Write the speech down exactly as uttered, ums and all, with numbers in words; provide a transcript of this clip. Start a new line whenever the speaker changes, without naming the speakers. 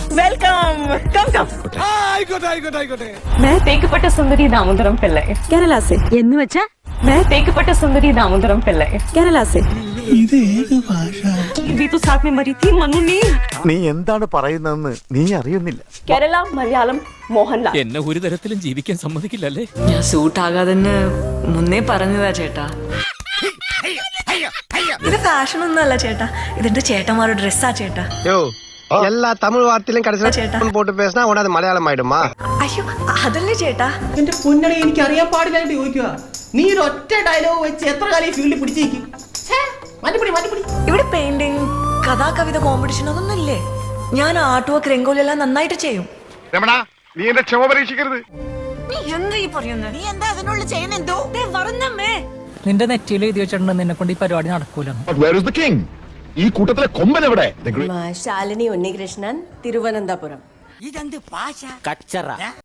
Welcome come come
ആയിക്കോട്ടെ ആയിക്കോട്ടെ ആയിക്കോട്ടെ
मैं തേക്കപ്പെട്ട സുന്ദരി दामोदरम पिल्लई
കേരള से
എന്ന് വെച്ചാ मैं തേക്കപ്പെട്ട സുന്ദരി दामोदरम पिल्लई
കേരള से
ഇത് ഏത് ഭാഷ
भी तो साथ में मरी थी मनु ने
നീ എന്താണ് പറയുന്നതെന്ന് നീ അറിയുന്നില്ല.
കേരള മലയാളം മോഹൻലാൽ
എന്നെ ഒരു തരത്തിലും ജീവിക്കാൻ സമ്മതിക്കില്ലല്ലേ?
ഞാൻ സൂട്ടാകാതെ മുന്നേ പറഞ്ഞതാ ചേട്ടാ. ഇത് ഫാഷൻ ഒന്നുമല്ല ചേട്ടാ, ഇതെന്റെ ചേട്ടന്മാരുടെ ഡ്രസ്സാ ചേട്ടാ.
எல்லா தமிழ் வார்த்தையிலும்
ചേട്ടാ.
கடைசியில் போட்டு பேசினா உடனே மலையாளம் ஆயிடுமா?
അയ്യോ അതല്ലേ ചേട്ടാ.
എന്റെ പൊന്നണി എനിക്ക് അറിയാൻ പാടില്ലായിട്ട് ചോദിക്കുക. നീ ഒരു ഒറ്റ ഡയലോഗ് വെച്ച് എത്ര കാലം ഈ ഫീൽഡിൽ പിടിച്ചേക്കും? മാറ്റിപ്പിടി മാറ്റിപ്പിടി.
ഇവിടെ പെയിന്റിങ്, കഥാകവിത കോമ്പറ്റീഷൻ അതൊന്നും ഇല്ലേ? ഞാൻ ആർട്ട് വർക്ക്, രംഗോലി എല്ലാം നന്നായിട്ട് ചെയ്യും.
രമണ, നീ എന്റെ ക്ഷമ പരീക്ഷിക്കരുത്.
നീ എന്താ ഈ പറയുന്നത്? നീ എന്താ അതിനുള്ളിൽ ചെയ്യുന്നെന്തോ? പറഞ്ഞമ്മേ.
നിന്റെ നെറ്റിയിൽ എഴുതി വെച്ചിട്ടുണ്ട് നിന്നെ കൊണ്ട് ഈ പരിപാടി നടക്കൂല.
ഈ കൂട്ടത്തിലെ കൊമ്പൻ എവിടെ?
ശാലിനി ഉണ്ണികൃഷ്ണൻ, തിരുവനന്തപുരം.
കച്ചറ